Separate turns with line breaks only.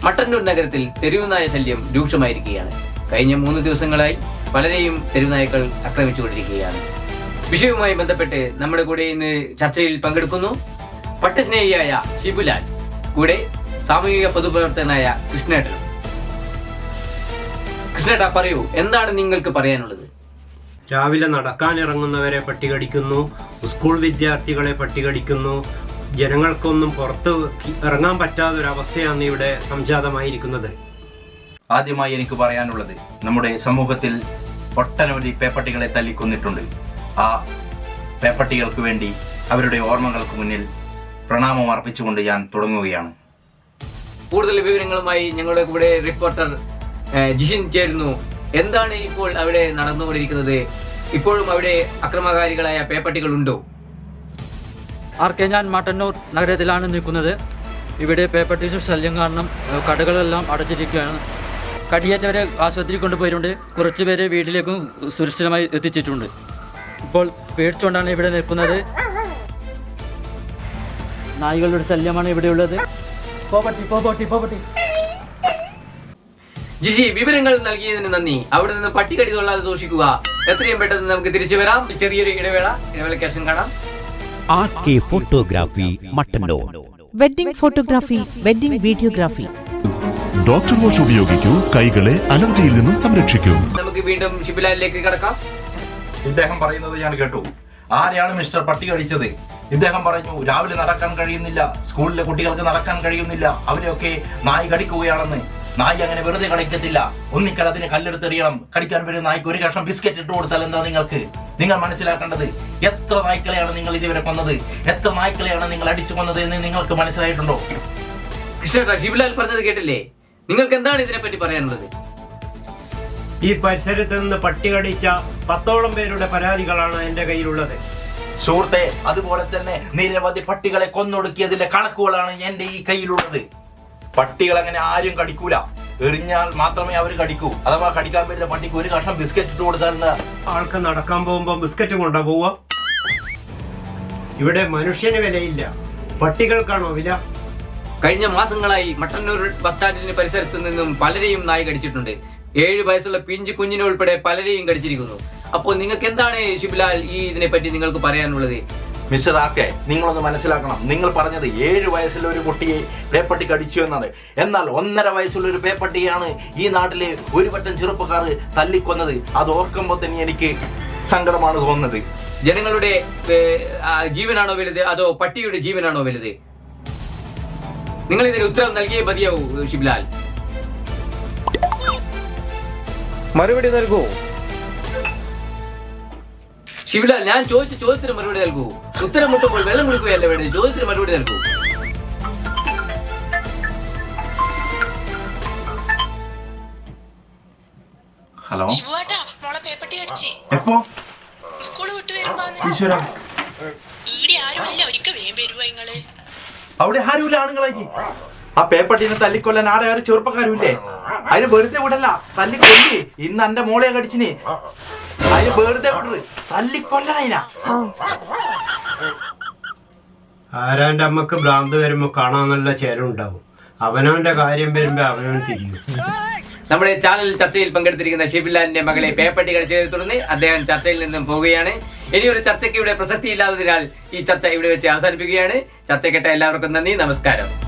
മട്ടന്നൂർ നഗരത്തിൽ തെരുവുനായ ശല്യം രൂക്ഷമായിരിക്കുകയാണ്. കഴിഞ്ഞ 3 ദിവസങ്ങളായി പലരെയും തെരുവുനായ്ക്കൾ ആക്രമിച്ചുകൊണ്ടിരിക്കുകയാണ്. വിഷയവുമായി ബന്ധപ്പെട്ട് നമ്മുടെ കൂടെ ഇന്ന് ചർച്ചയിൽ പങ്കെടുക്കുന്നു പട്ടസ്നേഹിയായ ഷിബുലാൽ, കൂടെ സാമൂഹിക പൊതുപ്രവർത്തകനായ കൃഷ്ണേട്ടനും. കൃഷ്ണേട്ടാ, പറയൂ, എന്താണ് നിങ്ങൾക്ക് പറയാനുള്ളത്?
രാവിലെ നടക്കാനിറങ്ങുന്നവരെ പട്ടികടിക്കുന്നു, സ്കൂൾ വിദ്യാർത്ഥികളെ പട്ടികടിക്കുന്നു. ജനങ്ങൾക്കൊന്നും പുറത്ത് ഇറങ്ങാൻ പറ്റാത്തൊരവസ്ഥയാണ് ഇവിടെ സംജാതമായിരിക്കുന്നത്.
ആദ്യമായി എനിക്ക് പറയാനുള്ളത്, നമ്മുടെ സമൂഹത്തിൽ ഒട്ടനവധി പേപ്പട്ടികളെ തല്ലിക്കൊന്നിട്ടുണ്ട്. ആ പേപ്പട്ടികൾക്ക് വേണ്ടി അവരുടെ ഓർമ്മകൾക്ക് മുന്നിൽ പ്രണാമം അർപ്പിച്ചുകൊണ്ട് ഞാൻ തുടങ്ങുകയാണ്.
കൂടുതൽ വിവരങ്ങളുമായി ഞങ്ങളുടെ കൂടെ റിപ്പോർട്ടർ ജിഷിൻ ചേരുന്നു. എന്താണ് ഇപ്പോൾ അവിടെ നടന്നുകൊണ്ടിരിക്കുന്നത്? ഇപ്പോഴും അവിടെ അക്രമകാരികളായ പേപ്പട്ടികളുണ്ടോ?
ഞാൻ മട്ടന്നൂർ നഗരത്തിലാണ് നിൽക്കുന്നത്. ഇവിടെ പേപ്പട്ടീസ് ശല്യം കാരണം കടകളെല്ലാം അടച്ചിരിക്കുകയാണ്. കടിയേറ്റവരെ ആശുപത്രിയിൽ കൊണ്ടുപോയിട്ടുണ്ട്. കുറച്ച് പേരെ വീട്ടിലേക്കും സുരക്ഷിതമായി എത്തിച്ചിട്ടുണ്ട്. ഇപ്പോൾ പേടിച്ചുകൊണ്ടാണ് ഇവിടെ നിൽക്കുന്നത്. നായ്ക്കളുടെ ശല്യമാണ് ഇവിടെയുള്ളത്.
ജിഷി, വിവരങ്ങൾ നൽകിയതിന് നന്ദി. അവിടെ നിന്ന് പട്ടികടി കൊള്ളാതെ സൂക്ഷിക്കുക. എത്രയും പെട്ടെന്ന് നമുക്ക് തിരിച്ചു വരാം. ചെറിയൊരു ഇടവേളയ്ക്ക് ശേഷം കാണാം.
RK photography Mattannur.
Wedding photography, wedding videography.
Doctor wash ഉപയോഗിക്കൂ, കൈകളെ അലർജിയിൽ നിന്നും സംരക്ഷിക്കൂ.
നമുക്ക് വീണ്ടും ഷിബുലാലിലേക്ക് കടക്കാം.
ഇദ്ദേഹം പറയുന്നത് ഞാൻ കേട്ടു. ആരെയാണ് മിസ്റ്റർ പട്ടി കടിച്ചത്? ഇദ്ദേഹം പറഞ്ഞു, രാവിലെ നടക്കാൻ കഴിയുന്നില്ല, സ്കൂളിലെ കുട്ടികൾക്ക് നടക്കാൻ കഴിയുന്നില്ല, അവരെയൊക്കെ നായ് കടിക്കുകയാണെന്ന്. നായ് അങ്ങനെ വെറുതെ കടിക്കത്തില്ല. ഒന്നിക്കൽ അതിനെ കല്ലെടുത്തെറിയണം. കടിക്കാൻ വരുന്ന നായ്ക്ക് ഒരു കഷ്ണം ബിസ്ക്കറ്റ് ഇട്ട് കൊടുത്താൽ എന്താ നിങ്ങൾ മനസ്സിലാക്കേണ്ടത്? എത്ര നായ്ക്കളെയാണ് നിങ്ങൾ ഇതുവരെ കൊന്നത്? എത്ര നായ്ക്കളെയാണ് നിങ്ങൾ അടിച്ചു കൊന്നത് എന്ന് നിങ്ങൾക്ക് മനസ്സിലായിട്ടുണ്ടോ?
കൃഷ്ണേട്ടാ, ഷിബുലാൽ പറഞ്ഞത് കേട്ടില്ലേ? നിങ്ങൾക്ക് എന്താണ് ഇതിനെപ്പറ്റി പറയാനുള്ളത്?
ഈ പരിസരത്ത് നിന്ന് പട്ടി കടിച്ച 10ഓളം പേരുടെ പരാതികളാണ് എന്റെ കയ്യിലുള്ളത്.
സുഹൃത്തെ, അതുപോലെ തന്നെ നിരവധി പട്ടികളെ കൊന്നൊടുക്കിയതിന്റെ കണക്കുകളാണ് എന്റെ ഈ കയ്യിലുള്ളത്. പട്ടികൾ അങ്ങനെ ആരും കടിക്കൂല. എറിഞ്ഞാൽ മാത്രമേ അവർ കടിക്കൂ. അഥവാ കടിക്കാൻ പറ്റുന്ന പട്ടിക്ക് ഒരു കഷ്ണം ബിസ്ക്കറ്റ് ഇട്ട് കൊടുത്താൽ
ആൾക്ക് നടക്കാൻ പോകുമ്പോ ബിസ്ക്കറ്റ് കൊണ്ടാ പോവുക. ഇവിടെ മനുഷ്യന് വിലയില്ല, പട്ടികൾക്കാണോ വില?
കഴിഞ്ഞ മാസങ്ങളായി മട്ടന്നൂർ ബസ് സ്റ്റാൻഡിന് പരിസരത്ത് നിന്നും പലരെയും നായ് കടിച്ചിട്ടുണ്ട്. 7 വയസ്സുള്ള പിഞ്ചു കുഞ്ഞിനെ ഉൾപ്പെടെ പലരെയും കടിച്ചിരിക്കുന്നു. അപ്പോൾ നിങ്ങൾക്ക് എന്താണ് ഷിബുലാൽ ഇതിനെ പറ്റി നിങ്ങൾക്ക് പറയാനുള്ളത്?
മിസ്റ്റർ ആക്കെ, നിങ്ങളൊന്ന് മനസ്സിലാക്കണം. നിങ്ങൾ പറഞ്ഞത് 7 വയസ്സുള്ള ഒരു കുട്ടിയെ പേപ്പട്ടി കടിച്ചു എന്നാണ്. എന്നാൽ 1.5 വയസ്സുള്ള ഒരു പേപ്പട്ടിയാണ് ഈ നാട്ടിലെ ഒരു പറ്റം ചെറുപ്പക്കാർ തല്ലിക്കൊന്നത്. അത് ഓർക്കുമ്പോൾ തന്നെ എനിക്ക് സങ്കടമാണ് തോന്നുന്നത്.
ജനങ്ങളുടെ ജീവനാണോ വലുത്, അതോ പട്ടിയുടെ ജീവനാണോ വലുത്? നിങ്ങൾ ഇതിന് ഉത്തരം നൽകിയേ മതിയാവൂ. ഷിബുലാൽ,
മറുപടി നൽകൂ.
ഷിബുലാൽ, ഞാൻ ചോദിച്ച ചോദ്യത്തിന് മറുപടി നൽകൂ. ഉത്തരം മുട്ടുമ്പോൾ വെള്ളം കുടിക്കുകയല്ല വേണ്ടത്. ചോദ്യത്തിന് മറുപടി നൽകൂ.
ഹലോ, എപ്പോ? അവിടെ ആരുമില്ല ആണുങ്ങളാക്കി. ആ പേപ്പട്ടിനെ തല്ലിക്കൊല്ലാൻ ആടെ ആരും ചെറുപ്പക്കാരുമില്ലേ? അതിന് വെറുതെ വിടല്ല, തല്ലിക്കൊല്ലി. ഇന്ന് എന്റെ മോളെ കടിച്ചിന്. അതിന് വെറുതെ വിടറ്, തല്ലിക്കൊല്ലണ.
ആരാന്റെ അമ്മക്ക് ഭ്രാന്ത് വരുമ്പോ കാണാൻ നല്ല ചേരുണ്ടാവും. അവനവന്റെ കാര്യം വരുമ്പോ അവനവൻ തിരിയും.
നമ്മുടെ ചാനൽ ചർച്ചയിൽ പങ്കെടുത്തിരിക്കുന്ന ഷിബുലാലിന്റെ മകളെ പേപ്പട്ടി കടിച്ചതിനെ തുടർന്ന് അദ്ദേഹം ചർച്ചയിൽ നിന്നും പോവുകയാണ്. ഇനിയൊരു ചർച്ചയ്ക്ക് ഇവിടെ പ്രസക്തിയില്ലാത്തതിനാൽ ഈ ചർച്ച ഇവിടെ വെച്ച് അവസാനിപ്പിക്കുകയാണ്. ചർച്ച കേട്ട എല്ലാവർക്കും നന്ദി, നമസ്കാരം.